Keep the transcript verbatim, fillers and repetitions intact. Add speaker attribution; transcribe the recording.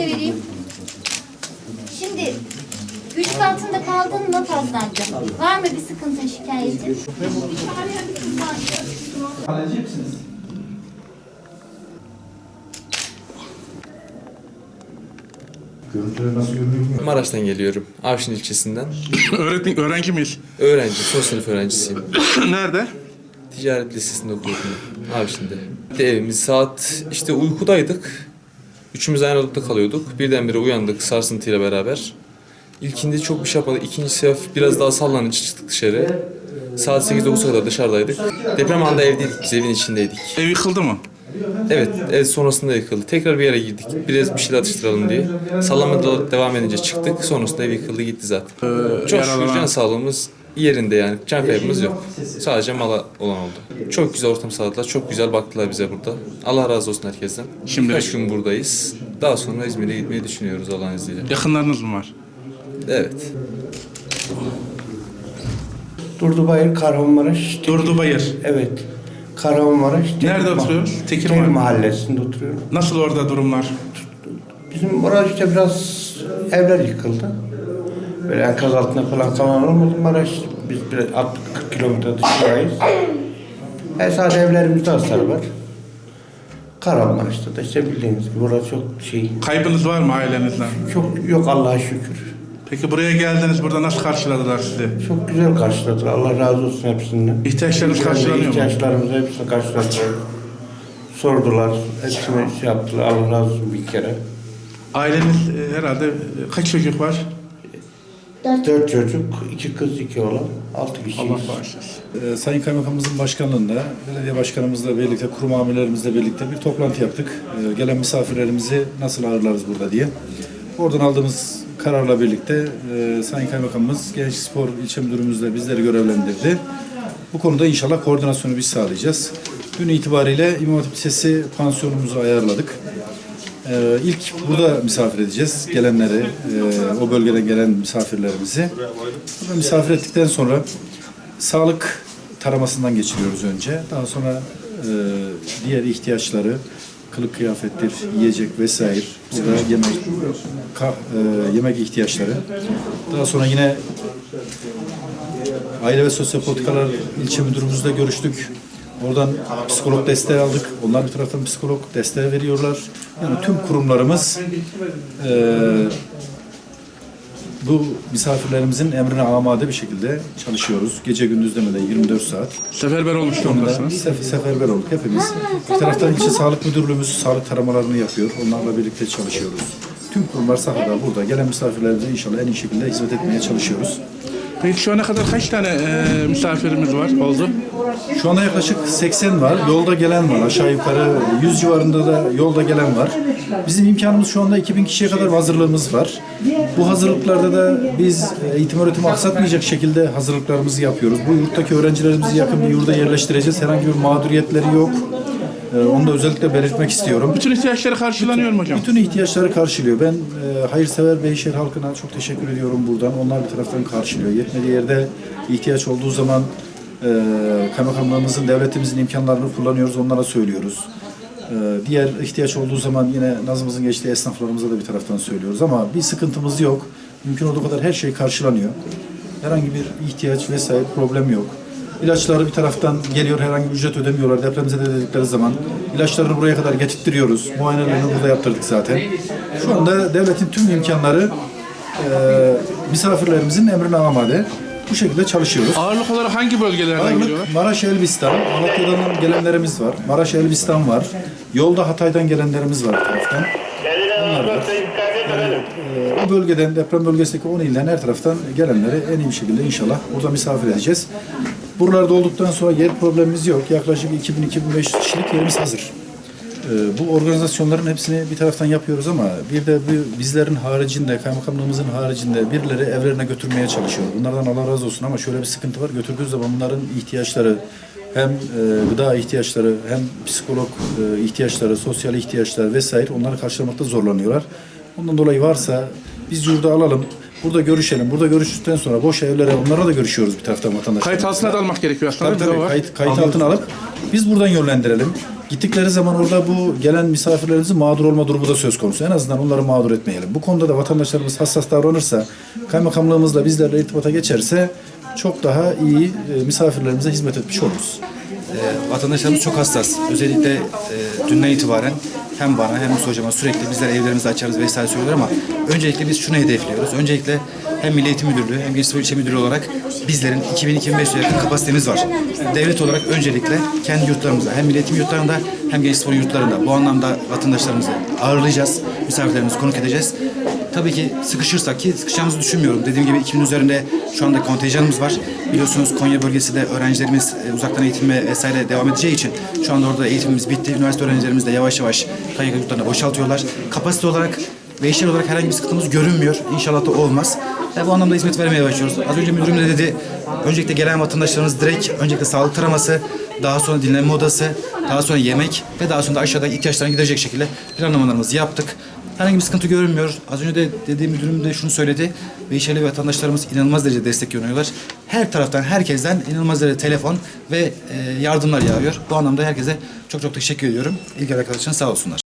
Speaker 1: de vereyim. Şimdi güç altında kaldın mı Fazlancığım? Var mı bir sıkıntın, şikayetin?
Speaker 2: Halledecek misiniz?
Speaker 3: Görüntüler nasıl görünüyor?
Speaker 4: Maraş'tan geliyorum. Avşin ilçesinden.
Speaker 5: Öğretmen, öğrenci miyiz?
Speaker 4: Öğrenci, son sınıf öğrencisiyim.
Speaker 5: Nerede?
Speaker 4: Ticaret Lisesi'nde okuyordum. Avşin'de. De evimiz saat işte uykudaydık. Üçümüz aynı odada kalıyorduk. Birdenbire uyandık sarsıntıyla beraber. İlkinde çok bir şey yapmadık. İkinci sefer biraz daha sallanınca çıktık dışarı. Saat sekiz dokuza kadar dışarıdaydık. Deprem anında evdeydik, biz evin içindeydik.
Speaker 5: Ev yıkıldı mı?
Speaker 4: Evet, ev sonrasında yıkıldı. Tekrar bir yere girdik. Biraz bir şeyler atıştıralım diye. Sallanma devam edince çıktık. Sonrasında ev yıkıldı gitti zaten.
Speaker 5: Ee,
Speaker 4: Çok şükür can sağlığımız yerinde yani. Can kaybımız yok. Sadece mala olan oldu. Çok güzel ortam sağladılar. Çok güzel baktılar bize burada. Allah razı olsun herkesten.
Speaker 5: Şimdi-
Speaker 4: Birkaç gün buradayız. Daha sonra İzmir'e gitmeyi düşünüyoruz Allah'ın izniyle.
Speaker 5: Yakınlarınız mı var?
Speaker 4: Evet.
Speaker 6: Durdubayır, Kahramanmaraş.
Speaker 5: Durdubayır.
Speaker 6: Evet. Kahramanmaraş.
Speaker 5: Nerede
Speaker 6: Tekir
Speaker 5: oturuyoruz?
Speaker 6: Mah-
Speaker 5: Tekir
Speaker 6: Tekir
Speaker 5: Mahalle.
Speaker 6: Mahallesi'nde oturuyorum.
Speaker 5: Nasıl orada durumlar?
Speaker 6: Bizim orada işte biraz evler yıkıldı. Böyle enkaz altında falan kalan olmadı. Maraş, biz biraz altmış kırk kilometre dışındayız. E sadece evlerimizde hasar var. Kahramanmaraş'ta da işte bildiğiniz gibi orada çok şey,
Speaker 5: Kaybınız var mı ailenizden?
Speaker 6: çok yok Allah'a şükür.
Speaker 5: Peki buraya geldiniz, burada nasıl karşıladılar sizi?
Speaker 6: Çok güzel karşıladılar. Allah razı olsun hepsinden.
Speaker 5: İhtiyaçlarınız karşılanıyor mu?
Speaker 6: İhtiyaçlarımızı hepsini karşıladılar. Sordular. Hepsini şey yaptılar. Allah razı olsun bir kere.
Speaker 5: Aileniz e, herhalde e, kaç çocuk var?
Speaker 6: Dört çocuk, iki kız, iki oğlan, altı kişiyiz.
Speaker 5: Allah bağışlasın.
Speaker 2: Ee, Sayın Kaymakamımızın başkanlığında, belediye başkanımızla birlikte, kurum amirlerimizle birlikte bir toplantı yaptık. Ee, gelen misafirlerimizi nasıl ağırlarız burada diye. Oradan aldığımız kararla birlikte e, Sayın Kaymakamımız Genç Spor İlçe Müdürümüzle bizleri görevlendirdi. Bu konuda inşallah koordinasyonu biz sağlayacağız. Dün itibariyle İmam Hatip Lisesi pansiyonumuzu ayarladık. Ee, ilk burada misafir edeceğiz gelenleri, e, o bölgeden gelen misafirlerimizi. Burada misafir ettikten sonra sağlık taramasından geçiriyoruz önce. Daha sonra e, diğer ihtiyaçları, kılık kıyafettir, yiyecek vesaire, burada yemek, kah, e, yemek ihtiyaçları. Daha sonra yine Aile ve Sosyal Politikalar İlçe Müdürümüzle görüştük. Oradan psikolog desteği aldık. Onlar bir taraftan psikolog desteği veriyorlar. Yani tüm kurumlarımız e, bu misafirlerimizin emrine amade bir şekilde çalışıyoruz. Gece gündüz demeden yirmi dört saat.
Speaker 5: Seferber olmuş durumdasınız.
Speaker 2: Sef seferber olduk hepimiz. Bir taraftan ilçe sağlık müdürlüğümüz sağlık taramalarını yapıyor. Onlarla birlikte çalışıyoruz. Tüm kurumlar sahada burada. Gelen misafirlerimize inşallah en iyi şekilde hizmet etmeye çalışıyoruz.
Speaker 5: Peki şu ana kadar kaç tane e, misafirimiz var oldu?
Speaker 2: Şu anda yaklaşık seksen var. Yolda gelen var. Aşağı yukarı yüz civarında da yolda gelen var. Bizim imkanımız şu anda iki bin kişiye kadar hazırlığımız var. Bu hazırlıklarda da biz eğitim öğretimi aksatmayacak şekilde hazırlıklarımızı yapıyoruz. Bu yurttaki öğrencilerimizi yakın bir yurda yerleştireceğiz. Herhangi bir mağduriyetleri yok. Onu da özellikle belirtmek istiyorum.
Speaker 5: Bütün ihtiyaçları karşılanıyor mu hocam?
Speaker 2: Bütün ihtiyaçları karşılıyor. Ben e, hayırsever Beyşehir halkına çok teşekkür ediyorum buradan. Onlar bir taraftan karşılıyor. Yetmediği yerde ihtiyaç olduğu zaman e, kaymakamlığımızın, devletimizin imkanlarını kullanıyoruz. Onlara söylüyoruz. E, diğer ihtiyaç olduğu zaman yine nazımızın geçtiği esnaflarımıza da bir taraftan söylüyoruz. Ama bir sıkıntımız yok. Mümkün olduğu kadar her şey karşılanıyor. Herhangi bir ihtiyaç vesaire problem yok. İlaçları bir taraftan geliyor, herhangi bir ücret ödemiyorlar. Depremize de dedikleri zaman ilaçlarını buraya kadar getirtiyoruz. Muayenelerini burada yaptırdık zaten. Şu anda devletin tüm imkanları e, misafirlerimizin emrine amade. Bu şekilde çalışıyoruz.
Speaker 5: Ağırlık olarak hangi bölgelerden geliyorlar?
Speaker 2: Ağırlık Maraş, Elbistan, Malatya'dan gelenlerimiz var. Maraş, Elbistan var. Yolda Hatay'dan gelenlerimiz var bir taraftan. Onlar var. Yani, e, o bölgeden, deprem bölgesindeki on ilden her taraftan gelenleri en iyi bir şekilde inşallah burada misafir edeceğiz. Buralarda olduktan sonra yer problemimiz yok. Yaklaşık iki bin iki bin beş yüz kişilik yerimiz hazır. Ee, bu organizasyonların hepsini bir taraftan yapıyoruz ama bir de bu bizlerin haricinde, kaymakamlığımızın haricinde birileri evlerine götürmeye çalışıyor. Bunlardan Allah razı olsun ama şöyle bir sıkıntı var. Götürdüğü zaman bunların ihtiyaçları, hem e, gıda ihtiyaçları, hem psikolog e, ihtiyaçları, sosyal ihtiyaçlar vesaire onları karşılamakta zorlanıyorlar. Ondan dolayı varsa biz yurda alalım. Burada görüşelim. Burada görüştükten sonra boş evlere onlara da görüşüyoruz bir taraftan vatandaşlar.
Speaker 5: Kayıt altına da almak gerekiyor aslında.
Speaker 2: Tabii tabii.
Speaker 5: Var.
Speaker 2: Kayıt, kayıt altına alıp biz buradan yönlendirelim. Gittikleri zaman orada bu gelen misafirlerimizin mağdur olma durumu da söz konusu. En azından onları mağdur etmeyelim. Bu konuda da vatandaşlarımız hassas davranırsa, kaymakamlığımızla bizlerle irtibata geçerse çok daha iyi e, misafirlerimize hizmet etmiş oluruz.
Speaker 3: E, vatandaşlarımız çok hassas. Özellikle e, dünden itibaren hem bana hem Musa hocama sürekli bizler evlerimizi açarız vesaire söylüyorlar ama öncelikle biz şunu hedefliyoruz. Öncelikle hem Milli Eğitim Müdürlüğü hem Gençlik ve İlçe Müdürlüğü olarak bizlerin iki bin iki bin beş yüze yakın kapasitemiz var. Devlet olarak öncelikle kendi yurtlarımızda hem milli eğitim yurtlarında hem gençlik spor yurtlarında bu anlamda vatandaşlarımızı ağırlayacağız. Misafirlerimizi konuk edeceğiz. Tabii ki sıkışırsak ki sıkışacağımızı düşünmüyorum. Dediğim gibi iki bin üzerinde şu anda kontenjanımız var. Biliyorsunuz Konya bölgesinde öğrencilerimiz e, uzaktan eğitime vesaire devam edeceği için şu anda orada eğitimimiz bitti. Üniversite öğrencilerimiz de yavaş yavaş K Y K yurtlarına boşaltıyorlar. Kapasite olarak ve işler olarak herhangi bir sıkıntımız görünmüyor. İnşallah da olmaz. Ve bu anlamda hizmet vermeye başlıyoruz. Az önce müdürüm de dedi, öncelikle gelen vatandaşlarımız direkt öncelikle sağlık taraması, daha sonra dinlenme odası, daha sonra yemek ve daha sonra da aşağıda ihtiyaçlarını giderecek şekilde planlamalarımızı yaptık. Herhangi bir sıkıntı görünmüyor. Az önce de dediğim müdürüm de şunu söyledi. Beyşehirli vatandaşlarımız inanılmaz derecede destek görüyorlar. Her taraftan, herkesten inanılmaz derecede telefon ve e, yardımlar yağıyor. Bu anlamda herkese çok çok teşekkür ediyorum. İlgi arkadaşlarına sağ olsunlar.